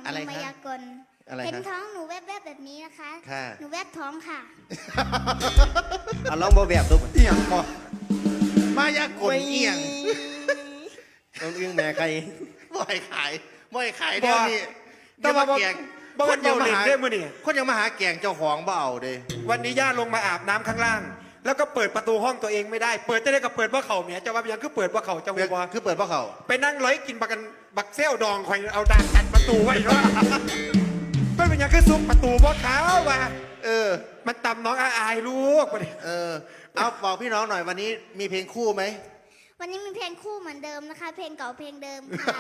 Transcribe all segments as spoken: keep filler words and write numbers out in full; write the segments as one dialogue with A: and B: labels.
A: อะไร
B: มา
A: คะ
B: ยากล
A: อะไร
B: เห็น
A: คะ
B: ท้องหนูแวบๆแบบนี้นะคะ
A: ค่ะ
B: หนูแวบท้องค่ะ
C: เอาลองบ่แบบดู
A: เอียงบ่มายากลเอียง
C: ต้องเอื้องแม่ใคร
A: บ่อยขายบ่อยขายเดี๋ยวนี้
D: แต่
A: เดี๋ยว
D: ว่า
A: มา
D: บ่
A: แกง
D: บ่
A: คนยังมา
D: เล่น
A: หา
D: ได้มื้อนี่
A: คนยังมาหาแกงเจ้าของบ่เอาเด้
D: วันนี้ย่าลงมาอาบน้ำข้างล่าง แล้วก็เปิดประตูห้องตัวเองไม่ได้ เปิดจะได้ก็เปิดว่าเข่าเมียจะว่ายังคือเปิดว่าเข่าจะ
A: เปิด
D: ว่า
A: คือเปิดเพราะเขา
D: ไปนั่งร้อยกินบักกันบักเซลดองคอยเอาดานกันประตูไว้เนาะไม่เป็นยังคือซุกประตูบ่ขาวว่า
A: เออ
D: มันตำน้องอาอายลูกมาดิ
A: เออ เอาบอกพี่น้องหน่อยวันนี้มีเพลงคู่ไหม
B: วันนี้มีเพลงคู่เหมือนเดิมนะคะ เพลงเก่าเพลงเดิมค่ะ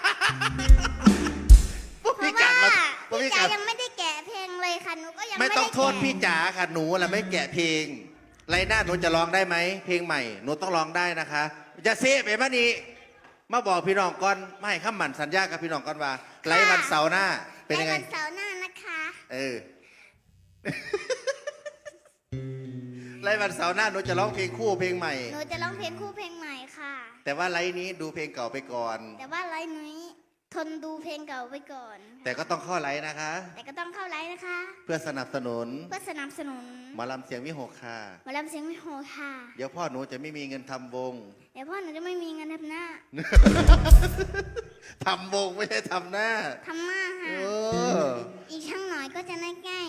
A: พวก
B: เพ
A: พี่
B: ราะ
A: กั
B: ว่า
A: ดมาพวก
B: พี่
A: พี่
B: จ๋า
A: กัด
B: ยังไม่ได้แกะเพลงเลยค่ะหนูก็ยัง
A: ไม่
B: ไม่
A: ต้
B: ได้
A: องโทษ
B: แกะ
A: พี่จ๋าค่ะหนูแหละไม่แกะเพลงไรหน้าหนูจะร้องได้ไหมเพลงใหม่หนูต้องร้องได้นะคะจะเซฟไปมานี่มาบอกพี่น้องก่อนไม่ให้ข้ามหมั่นสัญญากับพี่น้องก่อนว่าไรวันเสาร์หน้าเป็นยังไง
B: ในวันเสาร์หน้านะคะ
A: เออ ไรวันเสาร์หน้าหนูจะร้องเพลงคู่เพลงใหม่
B: หนูจะร้องเพลงคู่เพลงใหม่ค่ะ
A: แต่ว่าไรนี้ดูเพลงเก่าไปก่อน
B: แต่ว่าไลฟ์นี้ทนดูเพลงเก่าไปก่อน
A: แต่ก็ต้องเข้าไลน์นะคะ
B: แต่ก็ต้องเข้าไลฟ์นะคะ
A: เพื่อสนับสนุน
B: เพื่อสนับสนุน
A: หมอลำเสียงวิหกค่ะ
B: หมาลำเสียงไม่โหค่ะ
A: เดี๋ยวพ่อหนูจะไม่มีเงินทำวง
B: เดี๋ยวพ่อหนูจะไม่มีเงินทำหน้า
A: ทำวงไม่ใช่ทำหน้า
B: ทำหน้า
A: เอ
B: ค่ะ
A: อ
B: อีกช่างหน่อยก็จะได้ใกล้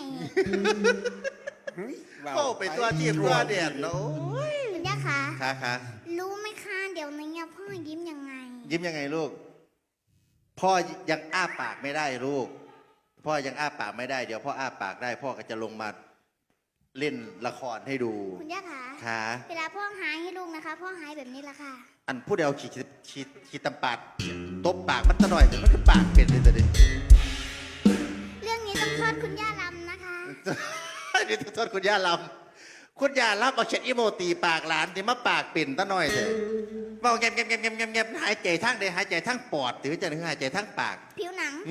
A: โอ้ไปตัวจีบตัวเดียดเนาะ
B: คุณย่าคะ
A: ค่ะค่ะ
B: รู้ไหมคะเดี๋ยวนี้เนี่ยพ่อยิ้มยังไง
A: ยิ้มยังไงลูก พ่อยังอ้าปากไม่ได้ลูก พ่อยังอ้าปากไม่ได้ เดี๋ยวพ่ออ้าปากได้ พ่อก็จะลงมาเล่นละครให้ดู
B: คุณย่าคะ
A: ค่ะ
B: เวลาพ่อหายให้ลูกนะคะ พ่อหายแบบนี้ละค่ะ
A: อันพูดเดียวขีดขีดขีดตำปาดตบปากมันตะหน่อยแต่มันคือปากเป็นเลยแต่ดิ
B: เรื่องนี้ต้องโทษคุณย่าลำนะคะ
A: นี่ต้องโทษคุณย่าลำคุณย่าลำเอาเช็ดอีโมตีปากหลานที่มาปากปิ่นตะหน่อยเถอะบอกเงียบเงียบเงียบเงียบเงียบเงียบหายใจทั้งใดหายใจทั้งปอดหรือจะหายใจทั้งปาก
B: ผิวหนัง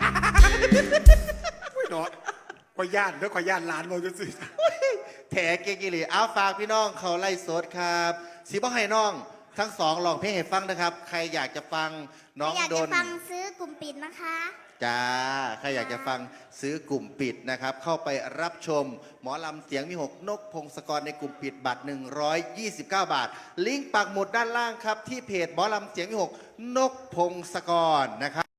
D: ไม่เนาะขอยย่านแล้วขอยย่านร้านเราจะซื้อ
A: แถเกกิลีเอาฝากพี่น้องเขาไล่สดครับสีบ้าให้น้อง ทั้งสองลองเพลงให้ฟังนะครับ ใครอยากจะฟังน้อง
B: อยาก
A: โด
B: จะ
A: น
B: ฟังซื้อกลุ่มปิดนะคะ
A: จ้าใครอยากจะฟังซื้อกลุ่มปิดนะครับ เข้าไปรับชม หมอลำเสียงมีหกนกพงศกรในกลุ่มปิดบัตร หนึ่งร้อยยี่สิบเก้า บาท ลิงก์ปักหมุดด้านล่างครับ ที่เพจหมอลำเสียงมีหกนกพงศกรนะครับ